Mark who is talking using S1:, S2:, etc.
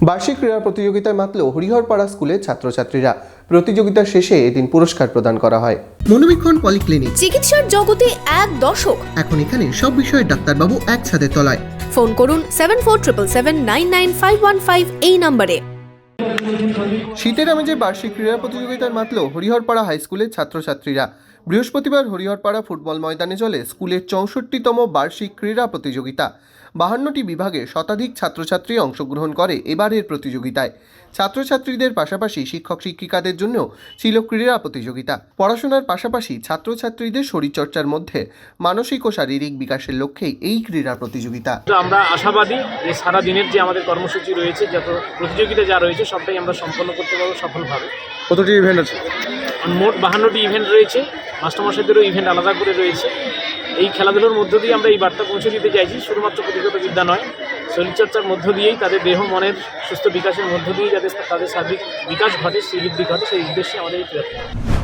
S1: বার্ষিক ক্রীড়া প্রতিযোগিতায় মাতল হরিহরপাড়া স্কুলের ছাত্রছাত্রীরা। প্রতিযোগিতা শেষে এদিন পুরস্কার প্রদান করা হয়।
S2: মনোবীক্ষণ পলিক্লিনিক,
S3: চিকিৎসার জগতে এক দশক।
S2: এখন এখানে সব বিষয়ে ডাক্তারবাবু এক ছাদের তলায়।
S3: ফোন করুন 7477799515 এই নম্বরে।
S1: শীতের আমেজে বার্ষিক ক্রীড়া প্রতিযোগিতায় মাতল হরিহরপাড়া হাই স্কুলের ছাত্রছাত্রীরা। বৃহস্পতিবার হরিহরপাড়া ফুটবল ময়দানে চলে স্কুলের 64তম বার্ষিক ক্রীড়া প্রতিযোগিতা। 52টি বিভাগে শতাধিক ছাত্রছাত্রী অংশগ্রহণ করে এবারের প্রতিযোগিতায়। ছাত্রছাত্রীদের পাশাপাশি শিক্ষক শিক্ষিকাদের জন্য ছিল ক্রীড়া প্রতিযোগিতা। পড়াশোনার পাশাপাশি ছাত্রছাত্রীদের শরীরচর্চার মধ্যে মানসিক ও শারীরিক বিকাশের লক্ষ্যেই এই ক্রীড়া প্রতিযোগিতা।
S4: আমরা আশাবাদী যে সারা দিনের যে আমাদের কর্মসূচি রয়েছে, যত প্রতিযোগিতা যা রয়েছে সবটাই আমরা সম্পন্ন করতে পারবো সফলভাবে।
S1: কতটি ইভেন্ট আছে?
S4: মোট 52টি ইভেন্ট রয়েছে, মাস্টারমশাইদেরও ইভেন্ট আলাদা করে রয়েছে। এই খেলাধুলোর মধ্য দিয়ে আমরা এই বার্তা পৌঁছে দিতে চাইছি, শুধুমাত্র পুঁথিগত বিদ্যা নয়, শরীরচর্চার মধ্য দিয়েই তাদের দেহ মনের সুস্থ বিকাশের মধ্য দিয়েই যাতে তাদের সার্বিক বিকাশ ঘটে, শ্রীবৃদ্ধি ঘটে, সেই উদ্দেশ্যে আমাদের এই ক্রীড়া।